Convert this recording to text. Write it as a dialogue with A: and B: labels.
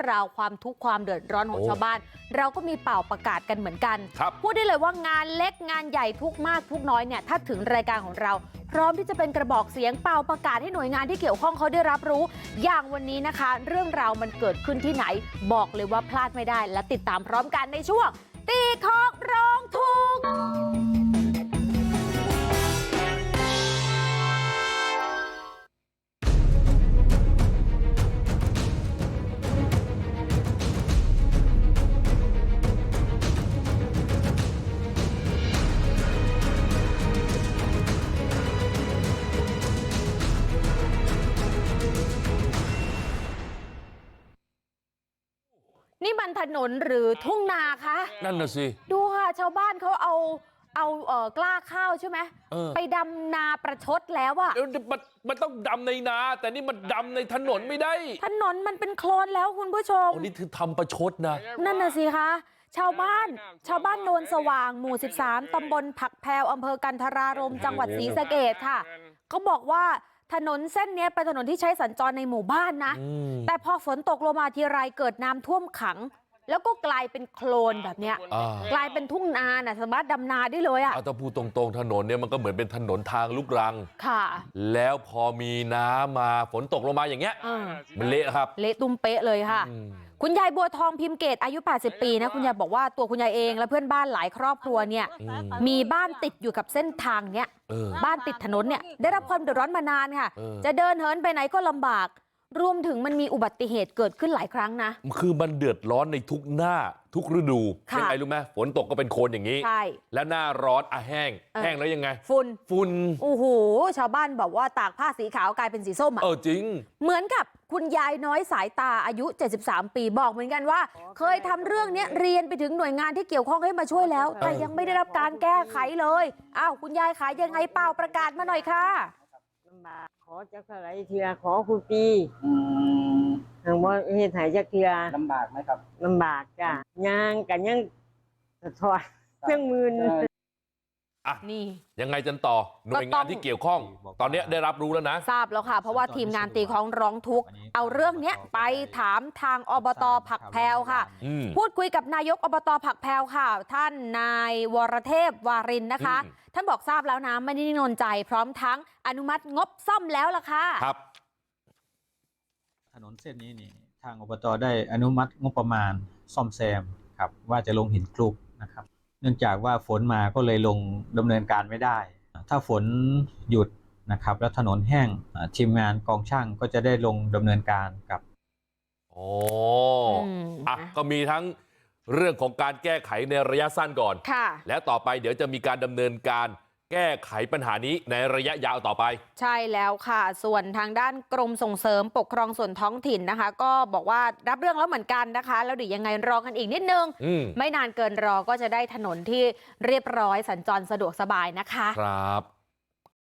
A: ราวความทุกข์ความเดือดร้อนของชาวบ้านเราก็มีเป่าประกาศกันเหมือนกันพูดได้เลยว่างานเล็กงานใหญ่ทุกมากทุกน้อยเนี่ยถ้าถึงรายการของเราพร้อมที่จะเป็นกระบอกเสียงเป่าประกาศให้หน่วยงานที่เกี่ยวข้องเขาได้รับรู้อย่างวันนี้นะคะเรื่องราวมันเกิดขึ้นที่ไหนบอกเลยว่าพลาดไม่ได้และติดตามพร้อมกันในช่วงตีคอกร้องทุกข์นี่มันถนนหรือทุ่งนาคะ
B: นั่นน่ะสิ
A: ดูค่ะชาวบ้านเขาเอากล้าข้าวใช่ไหมไปดำนาประชดแล้วอะ
B: มันต้องดำในนาแต่นี่มันดำในถนนไม่ได้
A: ถนนมันเป็นโคลนแล้วคุณผู้ชม
B: นี่คือทำประชดนะ
A: นั่นน่ะสิคะชาวบ้านโนนสว่างหมู่13ตำบลผักแพรวอำเภอกันทรารมจังหวัดศรีสะเกษค่ะเขาบอกว่าถนนเส้นนี้เป็นถนนที่ใช้สัญจรในหมู่บ้านนะแต่พอฝนตกลงมาทีไรเกิดน้ำท่วมขังแล้วก็กลายเป็นโคลนแบบเนี้ยกลายเป็นทุ่งนาน่ะสามารถดำนาได้เลยอ่ะ
B: ถ้าพูดตรงๆถนนเนี่ยมันก็เหมือนเป็นถนนทางลูกรัง
A: ค่ะ
B: แล้วพอมีน้ำมาฝนตกลงมาอย่างเงี้ยมันเละครับ
A: เละตุ้มเป๊ะเลยค่ะคุณยายบัวทองพิมพ์เกตอายุ80ปีนะคุณยายบอกว่าตัวคุณยายเองและเพื่อนบ้านหลายครอบครัวเนี่ยมีบ้านติดอยู่กับเส้นทางเนี้ยบ้านติดถนนเนี่ยได้รับความเดือดร้อนมานานค่ะจะเดินเหินไปไหนก็ลำบากรวมถึงมันมีอุบัติเหตุเกิดขึ้นหลายครั้งนะ
B: คือมันเดือดร้อนในทุกหน้าทุกฤดูยังไงรู้ไหมฝนตกก็เป็นโคลนอย่างนี้
A: ใช่
B: แล้วหน้าร้อนแห้งแล้วยังไงฝุ่น
A: โอ้โหชาวบ้านบอกว่าตากผ้าสีขาวกลายเป็นสีส้มอ่ะ
B: จริง
A: เหมือนกับคุณยายน้อยสายตาอายุ73ปีบอกเหมือนกันว่าเคยทำเรื่องนี้เรียนไปถึงหน่วยงานที่เกี่ยวข้องให้มาช่วยแล้วแต่ยังไม่ได้รับการแก้ไขเลยอ้าวคุณยายขายยังไงเปล่าประกาศมาหน่อยค่ะ
C: ลำบากขอจักรไรเทียขอคุณปีทางว่าเหตุหายจักเทีย
D: ลำบากไหมครับ
C: ลำบากจ้ะย่างกันยังสะท้อนเครื่องมือ
A: นี่
B: ยังไงจันต่อหน่วยงานที่เกี่ยวข้องตอนนี้ได้รับรู้แล้วนะ
A: ทราบแล้วค่ะเพราะว่าทีมงานตีของร้องทุกข์เอาเรื่องนี้ไปถามทางอบต.ผักแพรวค่ะพูดคุยกับนายกอบต.ผักแพรวค่ะท่านนายวรเทพวารินนะคะท่านบอกทราบแล้วนะไม่ได้นิ่งนอนใจพร้อมทั้งอนุมัติงบซ่อมแล้วล่ะค่ะ
B: ครับ
E: ถนนเส้นนี้นี่ทางอบต.ได้อนุมัติงบประมาณซ่อมแซมครับว่าจะลงหินคลุกนะครับเนื่องจากว่าฝนมาก็เลยลงดำเนินการไม่ได้ถ้าฝนหยุดนะครับแล้วถนนแห้งทีมงานกองช่างก็จะได้ลงดำเนินการกับ
B: ก็มีทั้งเรื่องของการแก้ไขในระยะสั้นก่อนและต่อไปเดี๋ยวจะมีการดำเนินการแก้ไขปัญหานี้ในระยะยาวต่อไป
A: ใช่แล้วค่ะส่วนทางด้านกรมส่งเสริมปกครองส่วนท้องถิ่นนะคะก็บอกว่ารับเรื่องแล้วเหมือนกันนะคะแล้วเดี๋ยวยังไงรอกันอีกนิดนึงไม่นานเกินรอก็จะได้ถนนที่เรียบร้อยสัญจรสะดวกสบายนะคะ
B: ครับ